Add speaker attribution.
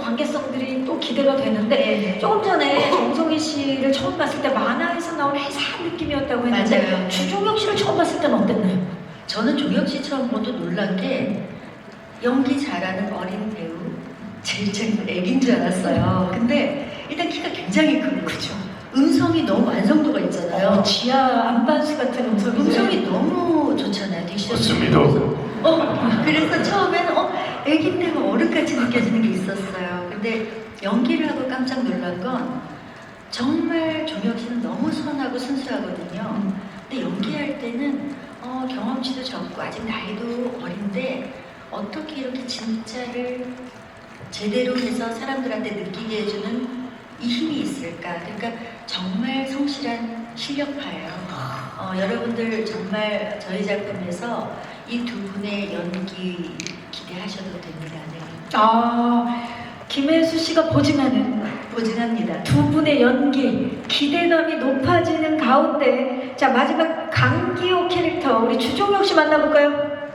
Speaker 1: 관계성들이 또 기대가 되는데
Speaker 2: 네.
Speaker 1: 조금 전에 정성희 씨를 처음 봤을 때 만화에서 나온 회사한 느낌이었다고 했는데
Speaker 2: 맞아요.
Speaker 1: 주종혁 씨를 처음 봤을 때는 어땠나요?
Speaker 2: 저는 종혁 씨 처음 보도 놀란 게 연기 잘하는 어린 배우, 제일 애기인 줄 알았어요. 근데 일단 키가 굉장히 크고
Speaker 1: 그죠.
Speaker 2: 음성이 너무 완성도가 있잖아요.
Speaker 1: 지하 안반수 같은
Speaker 2: 음성이 너무 좋잖아요.
Speaker 3: 맞습니다.
Speaker 2: 그래서 처음에는 애기인데 어른같이 느껴지는 게 있었어요. 근데 연기를 하고 깜짝 놀란 건 정말 종혁 씨는 너무 선하고 순수하거든요. 근데 연기할 때는 경험치도 적고 아직 나이도 어린데 어떻게 이렇게 진짜를 제대로 해서 사람들한테 느끼게 해주는 이 힘이 있을까? 그러니까 정말 성실한 실력파예요. 여러분들 정말 저희 작품에서 이 두 분의 연기 기대하셔도 됩니다. 네.
Speaker 1: 김혜수 씨가
Speaker 2: 보증합니다.
Speaker 1: 두 분의 연기 기대감이 높아지는 가운데 자 마지막 강기호 캐릭터 우리 주종혁 씨 만나볼까요?